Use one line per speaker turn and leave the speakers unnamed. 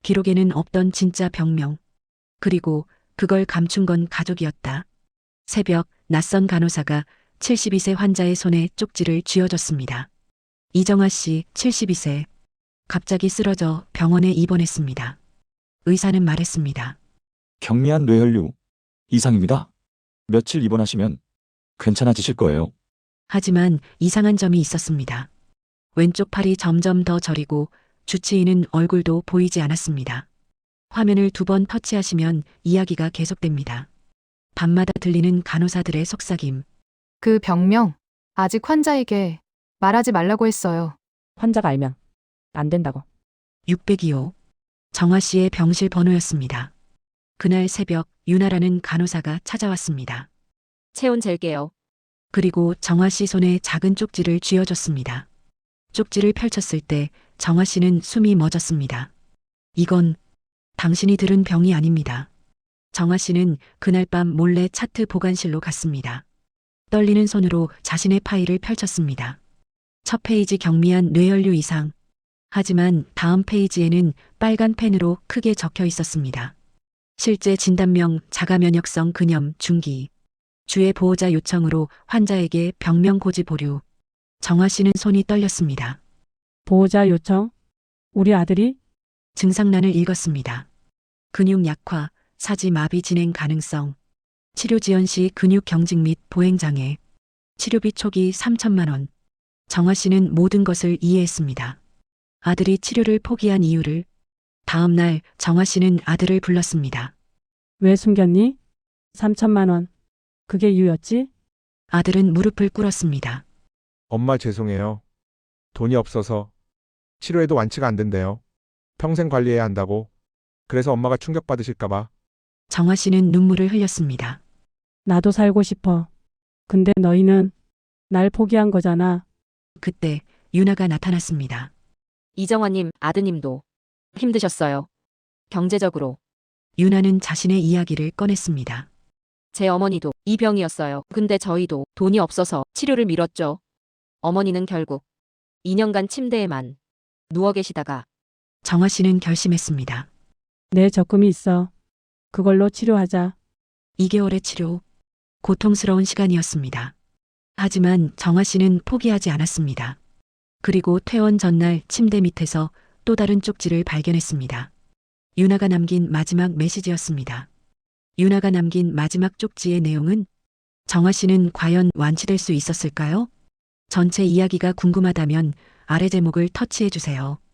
기록에는 없던 진짜 병명. 그리고 그걸 감춘 건 가족이었다. 새벽 낯선 간호사가 72세 환자의 손에 쪽지를 쥐어줬습니다. 이정아 씨 72세. 갑자기 쓰러져 병원에 입원했습니다. 의사는 말했습니다.
경미한 뇌혈류 이상입니다. 며칠 입원하시면 괜찮아지실 거예요.
하지만 이상한 점이 있었습니다. 왼쪽 팔이 점점 더 저리고 주치의는 얼굴도 보이지 않았습니다. 화면을 2번 터치하시면 이야기가 계속됩니다. 밤마다 들리는 간호사들의 속삭임.
그 병명, 아직 환자에게 말하지 말라고 했어요.
환자가 알면 안 된다고.
602호. 정화 씨의 병실 번호였습니다. 그날 새벽 유나라는 간호사가 찾아왔습니다.
체온 잴게요.
그리고 정화 씨 손에 작은 쪽지를 쥐어줬습니다. 쪽지를 펼쳤을 때 정화 씨는 숨이 멎었습니다. 이건 당신이 들은 병이 아닙니다. 정화 씨는 그날 밤 몰래 차트 보관실로 갔습니다. 떨리는 손으로 자신의 파일을 펼쳤습니다. 첫 페이지 경미한 뇌혈류 이상. 하지만 다음 페이지에는 빨간 펜으로 크게 적혀 있었습니다. 실제 진단명 자가면역성 근염 중기. 주의 보호자 요청으로 환자에게 병명 고지 보류. 정화 씨는 손이 떨렸습니다.
보호자 요청? 우리 아들이?
증상란을 읽었습니다. 근육 약화, 사지 마비 진행 가능성, 치료 지연 시 근육 경직 및 보행 장애, 치료비 초기 3천만 원. 정화 씨는 모든 것을 이해했습니다. 아들이 치료를 포기한 이유를. 다음 날 정화 씨는 아들을 불렀습니다.
왜 숨겼니? 3천만 원. 그게 이유였지?
아들은 무릎을 꿇었습니다.
엄마 죄송해요. 돈이 없어서 치료해도 완치가 안 된대요. 평생 관리해야 한다고. 그래서 엄마가 충격받으실까봐.
정화 씨는 눈물을 흘렸습니다.
나도 살고 싶어. 근데 너희는 날 포기한 거잖아.
그때 유나가 나타났습니다.
이정화님, 아드님도 힘드셨어요. 경제적으로.
유나는 자신의 이야기를 꺼냈습니다.
제 어머니도 이 병이었어요. 근데 저희도 돈이 없어서 치료를 미뤘죠. 어머니는 결국 2년간 침대에만 누워 계시다가
정화 씨는 결심했습니다.
내 적금이 있어. 그걸로 치료하자.
2개월의 치료. 고통스러운 시간이었습니다. 하지만 정화 씨는 포기하지 않았습니다. 그리고 퇴원 전날 침대 밑에서 또 다른 쪽지를 발견했습니다. 유나가 남긴 마지막 메시지였습니다. 유나가 남긴 마지막 쪽지의 내용은 정화 씨는 과연 완치될 수 있었을까요? 전체 이야기가 궁금하다면 아래 제목을 터치해 주세요.